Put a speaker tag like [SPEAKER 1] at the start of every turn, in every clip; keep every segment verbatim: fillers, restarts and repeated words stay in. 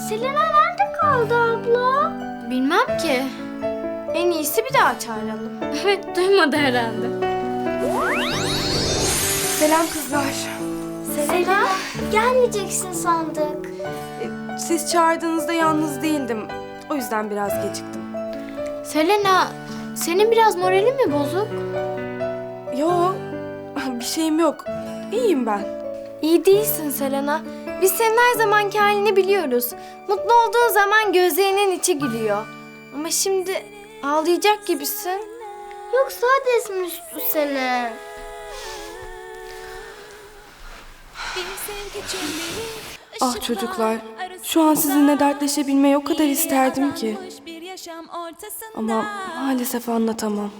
[SPEAKER 1] Selena nerede kaldı abla?
[SPEAKER 2] Bilmem ki.
[SPEAKER 1] En iyisi bir daha çağıralım.
[SPEAKER 2] Evet, duymadı herhalde.
[SPEAKER 3] Selam kızlar.
[SPEAKER 1] Selena, gelmeyeceksin sandık.
[SPEAKER 3] E, Siz çağırdığınızda yalnız değildim. O yüzden biraz geciktim.
[SPEAKER 2] Selena, senin biraz moralin mi bozuk?
[SPEAKER 3] Yo, bir şeyim yok. İyiyim ben.
[SPEAKER 1] İyi değilsin Selena. Biz senin her zamanki halini biliyoruz. Mutlu olduğun zaman gözlerinin içi gülüyor. Ama şimdi ağlayacak gibisin. Yoksa Hades mi üstü seni?
[SPEAKER 3] Ah çocuklar, şu an sizinle dertleşebilmeyi o kadar isterdim ki. Ama maalesef anlatamam.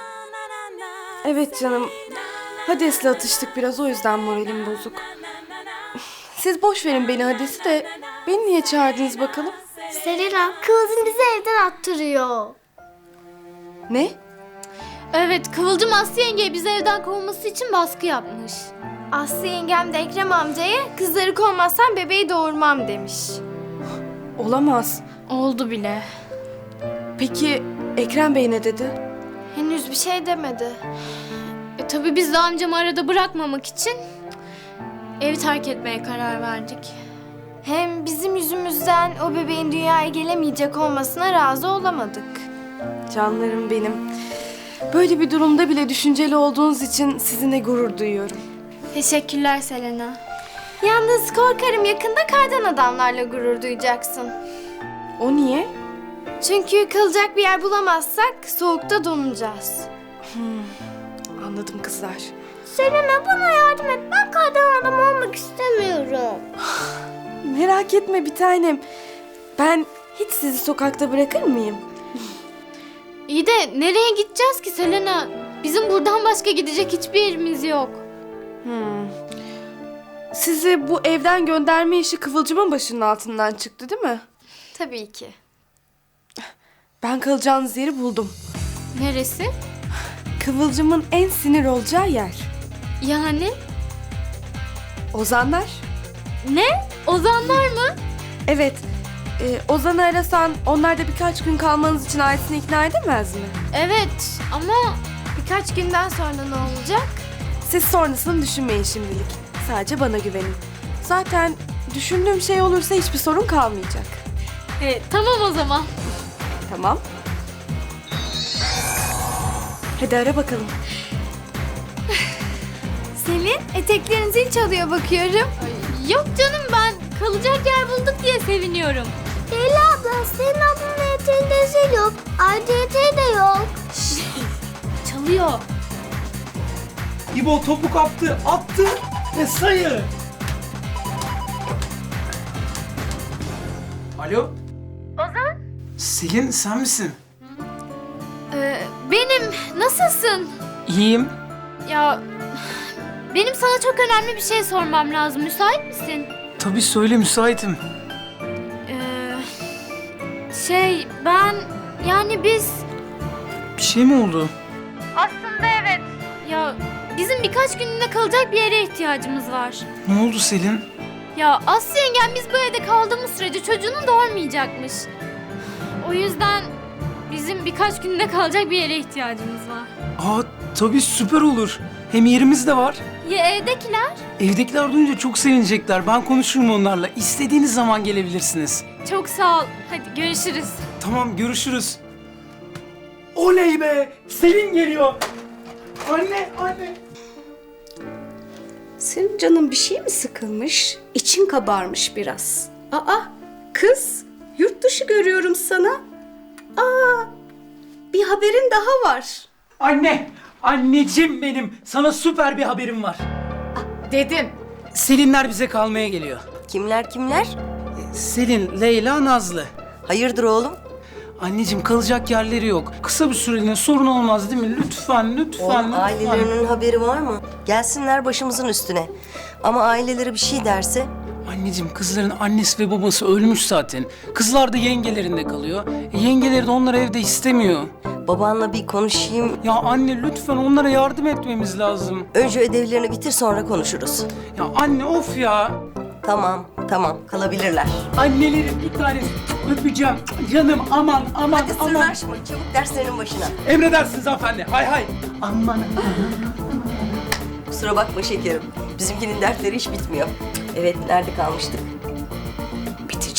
[SPEAKER 3] Evet canım, Hades'le atıştık biraz, o yüzden moralim bozuk. Siz boş verin beni Hades'i de, beni niye çağırdınız bakalım?
[SPEAKER 1] Selena, Kıvılcım bizi evden attırıyor.
[SPEAKER 3] Ne?
[SPEAKER 2] Evet, Kıvılcım Aslı yengeye bizi evden kovması için baskı yapmış.
[SPEAKER 1] Aslı yengem de Ekrem amcaya kızları kovmazsan bebeği doğurmam demiş.
[SPEAKER 3] Olamaz.
[SPEAKER 2] Oldu bile.
[SPEAKER 3] Peki Ekrem Bey ne dedi?
[SPEAKER 1] Henüz bir şey demedi.
[SPEAKER 2] E tabii biz de amcamı arada bırakmamak için evi terk etmeye karar verdik.
[SPEAKER 1] Hem bizim yüzümüzden o bebeğin dünyaya gelemeyecek olmasına razı olamadık.
[SPEAKER 3] Canlarım benim. Böyle bir durumda bile düşünceli olduğunuz için sizinle gurur duyuyorum.
[SPEAKER 2] Teşekkürler Selena.
[SPEAKER 1] Yalnız korkarım yakında kardan adamlarla gurur duyacaksın.
[SPEAKER 3] O niye?
[SPEAKER 1] Çünkü kalacak bir yer bulamazsak soğukta donacağız.
[SPEAKER 3] Anladım kızlar.
[SPEAKER 1] Selena bana yardım et. Ben kardan adam olmak istemiyorum.
[SPEAKER 3] Merak etme bir tanem. Ben hiç sizi sokakta bırakır mıyım?
[SPEAKER 2] İyi de nereye gideceğiz ki Selena? Bizim buradan başka gidecek hiçbir yerimiz yok.
[SPEAKER 3] Hmm. Sizi bu evden gönderme işi Kıvılcım'ın başının altından çıktı değil mi?
[SPEAKER 1] Tabii ki.
[SPEAKER 3] Ben kalacağınız yeri buldum.
[SPEAKER 2] Neresi?
[SPEAKER 3] Kıvılcım'ın en sinir olacağı yer.
[SPEAKER 2] Yani?
[SPEAKER 3] Ozanlar.
[SPEAKER 2] Ne? Ozanlar mı?
[SPEAKER 3] Evet. E, Ozan'ı arasan onlar da birkaç gün kalmanız için ailesini ikna edemez mi?
[SPEAKER 2] Evet ama
[SPEAKER 1] Birkaç günden sonra ne olacak?
[SPEAKER 3] Siz sonrasını düşünmeyin şimdilik. Sadece bana güvenin. Zaten düşündüğüm şey olursa hiçbir sorun kalmayacak.
[SPEAKER 2] e, tamam o zaman.
[SPEAKER 3] Tamam. Hadi ara bakalım.
[SPEAKER 1] Selin, eteklerin zil çalıyor bakıyorum.
[SPEAKER 2] Yok canım ben kalacak yer bulduk diye seviniyorum.
[SPEAKER 1] Leyla abla, senin ablanın eteğinde zil yok. Ayrıca eteği de yok.
[SPEAKER 2] Çalıyor.
[SPEAKER 4] İbo topu kaptı, attı ve sayı. Alo?
[SPEAKER 2] Ozan?
[SPEAKER 4] Selin sen misin?
[SPEAKER 2] Ee, benim. Nasılsın?
[SPEAKER 4] İyiyim.
[SPEAKER 2] Ya benim sana çok önemli bir şey sormam lazım. Müsait misin?
[SPEAKER 4] Tabii söyle müsaitim.
[SPEAKER 2] Ee, şey ben yani biz
[SPEAKER 4] Bir şey mi oldu?
[SPEAKER 2] aslında evet. Ya bizim birkaç günlüğüne kalacak bir yere ihtiyacımız var.
[SPEAKER 4] Ne oldu Selin?
[SPEAKER 2] Ya Aslı yengem biz bu evde kaldığımız sürece çocuğunu doğurmayacakmış. O yüzden bizim birkaç günlüğüne kalacak bir yere ihtiyacımız var.
[SPEAKER 4] Aa tabii süper olur. Hem yerimiz de var.
[SPEAKER 2] Ya evdekiler?
[SPEAKER 4] Evdekiler duyunca çok sevinecekler. Ben konuşurum onlarla. İstediğiniz zaman gelebilirsiniz.
[SPEAKER 2] Çok sağ ol. Hadi görüşürüz.
[SPEAKER 4] Tamam görüşürüz. Oley be! Selin geliyor. Anne, anne.
[SPEAKER 5] Senin canın bir şey mi sıkılmış? İçin kabarmış biraz. Aa, kız, yurt dışı görüyorum sana. Aa, bir haberin daha var.
[SPEAKER 4] Anne, anneciğim benim. Sana süper bir haberim var.
[SPEAKER 5] Dedim.
[SPEAKER 4] Selinler bize kalmaya geliyor.
[SPEAKER 6] Kimler kimler?
[SPEAKER 4] Selin, Leyla, Nazlı.
[SPEAKER 6] Hayırdır oğlum?
[SPEAKER 4] Anneciğim kalacak yerleri yok. Kısa bir süreliğine sorun olmaz değil mi? Lütfen, lütfen,
[SPEAKER 6] Oğlum
[SPEAKER 4] lütfen.
[SPEAKER 6] ailelerinin haberi var mı? Gelsinler başımızın üstüne. Ama aileleri bir şey derse?
[SPEAKER 4] Anneciğim kızların annesi ve babası ölmüş zaten. Kızlar da yengelerinde kalıyor. E, yengeleri de onları evde istemiyor.
[SPEAKER 6] Babanla bir konuşayım.
[SPEAKER 4] Ya anne lütfen onlara yardım etmemiz lazım.
[SPEAKER 6] Önce ödevlerini bitir sonra konuşuruz.
[SPEAKER 4] Ya anne of ya.
[SPEAKER 6] Tamam Tamam, kalabilirler.
[SPEAKER 4] Annelerin bir tanesi. Öpeceğim. Canım aman aman
[SPEAKER 6] Hadi
[SPEAKER 4] aman.
[SPEAKER 6] sırnaşma, çabuk derslerinin başına.
[SPEAKER 4] Emredersiniz hanımefendi. Hay hay. Aman.
[SPEAKER 6] Kusura bakma şekerim. Bizimkinin dertleri hiç bitmiyor. Evet, nerede kalmıştık?